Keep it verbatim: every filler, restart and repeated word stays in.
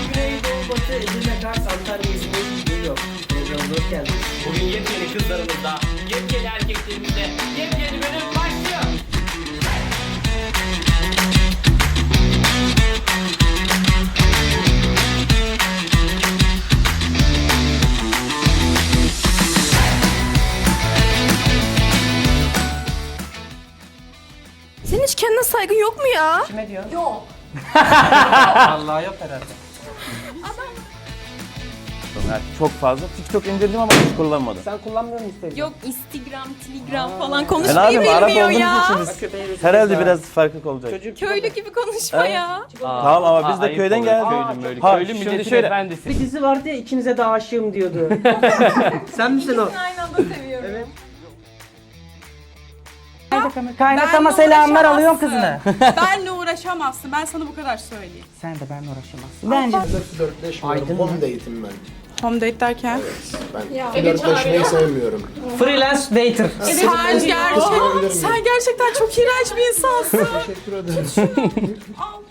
Güneydoğu, Batı, Edirne, Kars, Antalya, İzmir, New York. Programımıza hoş geldiniz. Bugün yepyeni kızlarımızda, yepyeni erkeklerimizde, yepyeni bölüm başlıyor. Senin hiç kendine saygın yok mu ya? Kime diyorsun? Yok. Vallahi yok herhalde. Çok fazla. TikTok indirdim ama hiç kullanmadım. Sen kullanmıyor musun Instagram? Yok Instagram, Telegram falan Ben konuşmayı abim Arap bilmiyor olduğunuz ya. için biz- herhalde biraz farklı olacak. Çocuk Köylü gibi konuşma ya. Tamam ama biz de köyden geldik. Köylü böyle. Ha, Köylü şimdi milletin şöyle- efendisi. bir dizi vardı ya, ikinize de aşığım diyordu. Sen misin o? Aynı anda seviyorum. Evet. Kaynatama selamlar alıyorum kızını. Benle uğraşamazsın. Ben sana bu kadar söyleyeyim. Sen de benimle uğraşamazsın. Bence Flörtleşmiyorum. Home date'im ben. Home date derken? Ben flörtleşmeyi sevmiyorum. Freelance dater. Sen, gerçek, sen gerçekten çok iğrenç bir insansın. Teşekkür ederim. Al.